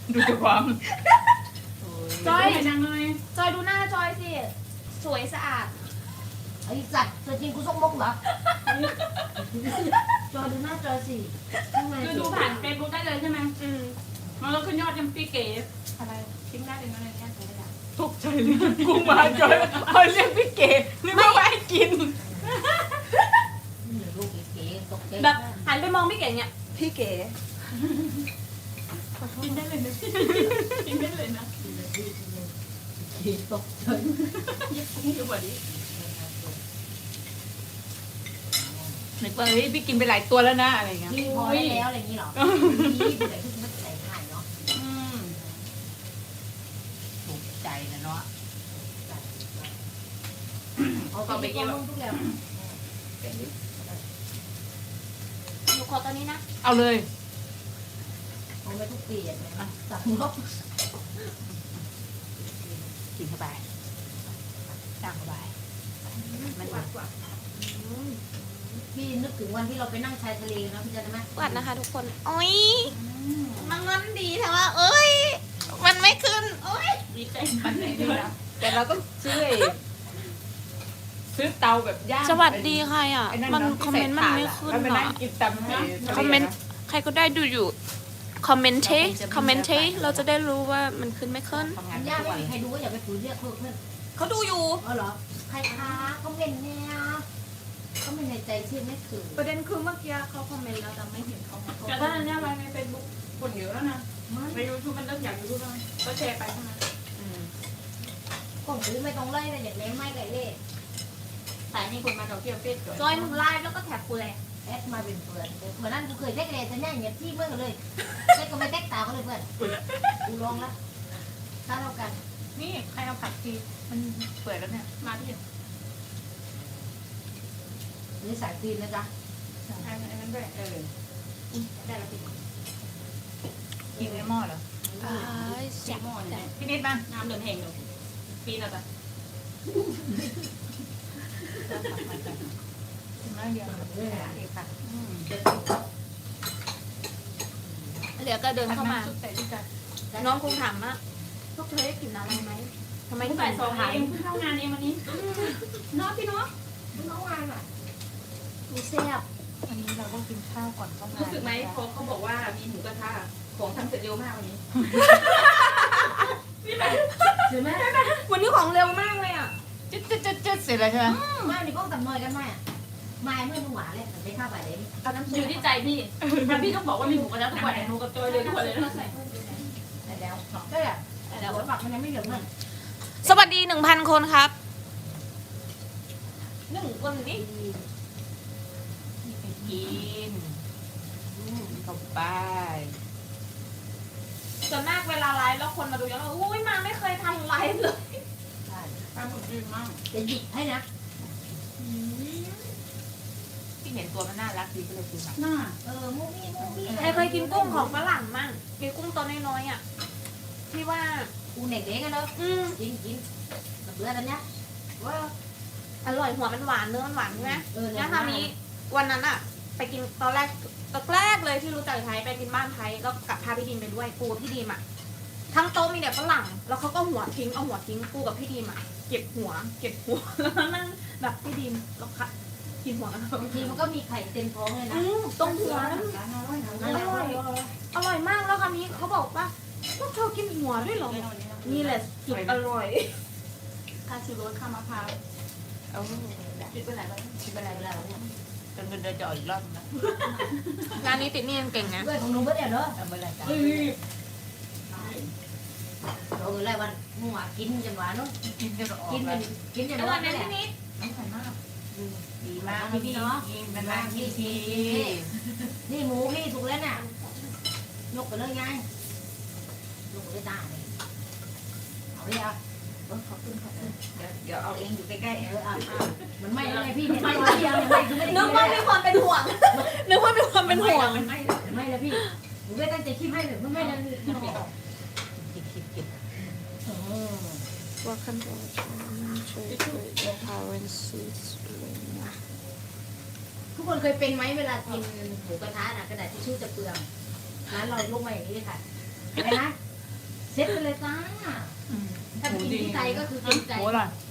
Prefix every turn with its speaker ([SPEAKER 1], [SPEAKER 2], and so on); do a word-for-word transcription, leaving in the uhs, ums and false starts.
[SPEAKER 1] ดูตัวความ
[SPEAKER 2] จอย
[SPEAKER 1] เห็นยังเลย
[SPEAKER 2] จอยดูหน้าจอยสิสวยสะอาด
[SPEAKER 3] ไอ้สัตว์ตัวจริงกูส่งมกเหรอจอยดูหน้าจอยสิข้างใน
[SPEAKER 1] คือดูผ่านเฟซบุ๊กได้เลยใช่ไหม
[SPEAKER 2] อืม
[SPEAKER 1] มันก็ขึ้นยอดยังพี่เก๋
[SPEAKER 2] อะไรทิ้งได้เป็นอะไรแค่ไหนได้
[SPEAKER 1] ตกใจเลยกูมาจอยเอาเรียกพี่เก๋นึกว่าไม่ให้กิน
[SPEAKER 3] นี่ลูกเก๋ๆตกใจ
[SPEAKER 2] แบบหันไปมองพี่เก๋เนี่ยพี่เก๋
[SPEAKER 1] กินได้เลยนะกินได้เลยนะ
[SPEAKER 3] เก๋ตกใจ
[SPEAKER 1] ยิ่งกว่านี้นึกว่าเฮ้ยพี่กินไปหลายตัวแล้วนะอะไรเงี้ย
[SPEAKER 3] นี่พอได้แล้วอะไรอย่างนี้เหรอนี่ผู้ใหญ่ที่มันใส่ถ่ายเนาะ
[SPEAKER 1] อืม
[SPEAKER 4] ถูกใจนะเนาะ
[SPEAKER 3] เอาไปกินทุกแล้ว
[SPEAKER 2] หนูขอตอนนี้นะ
[SPEAKER 1] เอาเลย
[SPEAKER 3] เอาไปทุกปีอ่ะสั่งลบ
[SPEAKER 4] กินเข้าไปตั้งเข้าไปมัน
[SPEAKER 2] หวานกว่า
[SPEAKER 3] พี่นึกถึงวันที่เราไปนั่งชายทะเลนะพี่จำได้ไหม
[SPEAKER 2] หวานนะคะทุกคนโอ้ยมันงอนดีแต่ว่าเอ้ยมันไม่ขึ้นโอ้ย
[SPEAKER 1] ดีใจมันเลยนะแต่เราต้องซื้อไอ้ซื้อเตาแบบย่าง
[SPEAKER 5] สวัสดีใครอ่ะ
[SPEAKER 1] ไอ้
[SPEAKER 5] มัน
[SPEAKER 1] เาะ
[SPEAKER 5] คอมเมนต์มันไม่ขึ้น
[SPEAKER 1] แล้วไป
[SPEAKER 5] อ่ะ
[SPEAKER 1] นั่งกินตำให้
[SPEAKER 5] คอมเมนต์ ใครก็ได้ดูอยู่ คอมเมนต์เทคอมเมนต์เทเราจะได้รู้ว่ามันขึ้นไม่ขึ้น
[SPEAKER 4] ทำงาน
[SPEAKER 3] ย่า
[SPEAKER 4] ทุก
[SPEAKER 3] ไม่
[SPEAKER 4] วัน
[SPEAKER 3] มีใครดูก็อย่าไปฝืนเรียกเพื่อนเพื่อน
[SPEAKER 2] เขาดูอยู่
[SPEAKER 3] เออเหรอใครคะก็เป็นเนี่ยก็ไม่ในใจชื่อไม่ถึง
[SPEAKER 2] ประเด็นคือเมื่อกี้เขาคอมเมนต์แล้วแต่ไม่เห็นเขามาคอม
[SPEAKER 1] แต่
[SPEAKER 2] เม
[SPEAKER 1] ถ้าน อัน
[SPEAKER 2] ต์
[SPEAKER 1] เนี้ยไว้ในเฟซบุ๊กคนเยอะแล้วนะในยูทูบมันเริ่มอยากยูทูบแล้วก็แชร์ไปเท่านั้น
[SPEAKER 4] อืม
[SPEAKER 3] ก็หูไม่ต้องไล่เลยอย่างเล่ไม่ไก่เล่
[SPEAKER 1] แต่นี่คนมาเราเที่ยวเฟซ
[SPEAKER 2] จอยมึงไลฟ์แล้วก็แท็กกูเลย
[SPEAKER 3] แอดมาเป็นเพื่อนเพื่อนนั่นกูเคยแท็กเลยแต่เนี่ยเหยียบที่เมื่อกันเลยแท็กก็ไม่แท็กตาเขาเลยเพื่อนกูลองละถ้าเท่ากัน
[SPEAKER 1] นี่ใครเอาผักชีมันเปิดแล้วเนี่ยมาที่
[SPEAKER 3] นี่สายฟีนนะจ๊ะ
[SPEAKER 1] ไอ้นั้นด้วยเออ
[SPEAKER 2] ได้แล้วพี่
[SPEAKER 1] กินในหม้อเหรอ
[SPEAKER 2] แจ็ค
[SPEAKER 1] หม้อเนี่ยพี่นิดมาน้ำเดือดแห้งอยู่ปีนอะไรน้ำเยอะ
[SPEAKER 3] เรื่องอะไร
[SPEAKER 1] ดีค่ะ
[SPEAKER 2] เหลือก็เดินเข้ามา
[SPEAKER 1] ซุปใส่ด้วยกัน
[SPEAKER 2] น้องคงถามว่าพวกเธอได้กลิ่นอะไรไหมทำไม
[SPEAKER 1] ไม่
[SPEAKER 2] ถึง
[SPEAKER 1] ใส่ซอง
[SPEAKER 2] ถ่าย
[SPEAKER 1] เองเพิ่งเข้างานเองวันนี้เนาะพี่เนาะ
[SPEAKER 3] มึงเอาวางอ่ะ
[SPEAKER 2] ดูแซ่บ
[SPEAKER 4] วันนี้เราก็กินข้าวก่อนเข้างาน
[SPEAKER 1] รู้สึกไหมพอเขาบอกว่ามีหมูกระทะของทำเสร็จเร็วมากวันนี้
[SPEAKER 3] ใช่ไหม
[SPEAKER 2] วันนี้ของเร็วมากเลยอ่ะ
[SPEAKER 4] จึ๊ดจึ๊ดจึ๊ดจึ๊ดเสร็จแล้วใช่ไหม
[SPEAKER 3] ไม่นี่ก็ตัดนอยกันไหมอ่ะไม่เมื่อมึงหวานเลยแต่ไม่ข้าวไปเลย
[SPEAKER 2] เอาน้ำ
[SPEAKER 1] อ
[SPEAKER 2] ซุ
[SPEAKER 1] ยู่
[SPEAKER 2] ป
[SPEAKER 1] ที่ใจพี่ถ้าพี่ต้องบอกว่ามีหมูกระทะทุกวันหมูกับจอยเลยทุกวันเลยนะ
[SPEAKER 3] แต่แล้วก็แบบแต่หัวฝักมันยังไม่เหลืองเลย
[SPEAKER 5] สวัสดีหนึ่งพันคนครับ
[SPEAKER 2] หนึ่งคนนี้
[SPEAKER 4] ไปกินเข้าไป
[SPEAKER 2] ส่วนมากเวลาไลฟ์แล้วคนมาดูเยอะอุ้ยมาไม่เคยทำไลฟ์เลย
[SPEAKER 3] ใช่
[SPEAKER 1] ปลาหมึกดีมาก
[SPEAKER 3] จะหยิบให้นะ
[SPEAKER 4] ที่เห็นตัวมันน่ารักดีก็เลยซื้อมา
[SPEAKER 1] น่า
[SPEAKER 3] เออมูมี่มูมี่
[SPEAKER 2] ใครเคยกินกุ้งของฝรั่งมั่งมีกุ้งตัวน้อยๆอ่ะที่ว่า
[SPEAKER 3] กูเด็กเด็กกันเนาะ
[SPEAKER 2] อืม
[SPEAKER 3] กินกินกับเพื่อนอันเนี้ยว่า
[SPEAKER 2] อร่อยหัวมันหวานเนื้อมันหวานใช่ไหม
[SPEAKER 3] เออ
[SPEAKER 2] แล้วคราวนี้วันนั้นอะไปกินตอนแรกตอนแรกเลยที่รู้จักไทยไปกินบ้านไทยแล้วกับพาพี่ดีมไปด้วยปูกับพี่ดีมอะทั้งโต๊ะมีแต่ฝรั่งแล้วเขาก็หัวทิ้งเอาหัวทิ้งปูกับพี่ดีมอะเก็บหัว เก็บหัวแล้วนั่งแบบพี่ดีมแล้วค่ะกินหัวกัน
[SPEAKER 3] บางทีมันก็มีไข่เต็มท้องเลยนะ
[SPEAKER 2] อืมตรงหัวนั้น
[SPEAKER 3] อร่อย
[SPEAKER 2] อร่อยอร่อยมากแล้วคราวนี้เขาบอกว่าพวกเธอกินหัวด้วยเหรอนี่แหละจุดอร่อย
[SPEAKER 1] ข้าวชูรสข้าวมะพร้าว
[SPEAKER 4] เอา
[SPEAKER 1] คิดไปไหนแล้ว
[SPEAKER 4] คิดอะไรแล้วจนเงินเดือนจะออกอีกรอบนะ
[SPEAKER 5] ร้านนี้ติดหนี่ยังเก่งนะ
[SPEAKER 3] ด้วยของหนูเบิร์ดเดียวเนาะ
[SPEAKER 4] เอาเมื่อไรจ้ะ
[SPEAKER 1] เฮ้ย
[SPEAKER 3] เราเออไรวันมึงว่ากินจนหวานเนาะ
[SPEAKER 4] กินจนออก
[SPEAKER 3] กินจ
[SPEAKER 4] แล้ว
[SPEAKER 3] นกินจน
[SPEAKER 2] แล้ว
[SPEAKER 3] หวา
[SPEAKER 2] วัน นนั้น
[SPEAKER 3] แหละ
[SPEAKER 2] พี่นิด
[SPEAKER 4] น้ำใสมากดีมาก
[SPEAKER 3] พี่เนาะ
[SPEAKER 4] กินมันมากพี่ที
[SPEAKER 3] นี่หมูพี่ถูกแล้วน่ะยกไปเลยไงยกไปเลยตาเลยเอาเลยอ่ะ
[SPEAKER 4] ขอบคุณค่ะเดี๋ยวเดี๋ยวเอาเองอยู่ใกล้
[SPEAKER 3] เอออ่ะมันไม่อะไรพี่ไม่ไม่ยังไม่คือไม่ได้
[SPEAKER 2] นึกว่ามีความเป็นห่วงนึกว่ามีความเป็นห่วง
[SPEAKER 1] มันไม่
[SPEAKER 3] ไม่แล้วพี่หนูไม่ตั้งใจคิดให้เลยไม่ได้
[SPEAKER 4] ๆกินกินกิน
[SPEAKER 5] Welcome to our channel. The currencies
[SPEAKER 3] ทุกคนเคยเป็นไหมเวลากินหมูกระทะน่ะกระดาษทิชชู่จะเปลืองร้านเราลงมาอย่างนี้เลยค่ะอะไรนะเซ็ตไปเลยจ้า
[SPEAKER 1] อืม
[SPEAKER 3] ถ้าไปกินที่ใจก็คือ
[SPEAKER 1] อื
[SPEAKER 3] กิ
[SPEAKER 1] ม
[SPEAKER 3] นใจ
[SPEAKER 1] หมูอร่อย
[SPEAKER 3] เ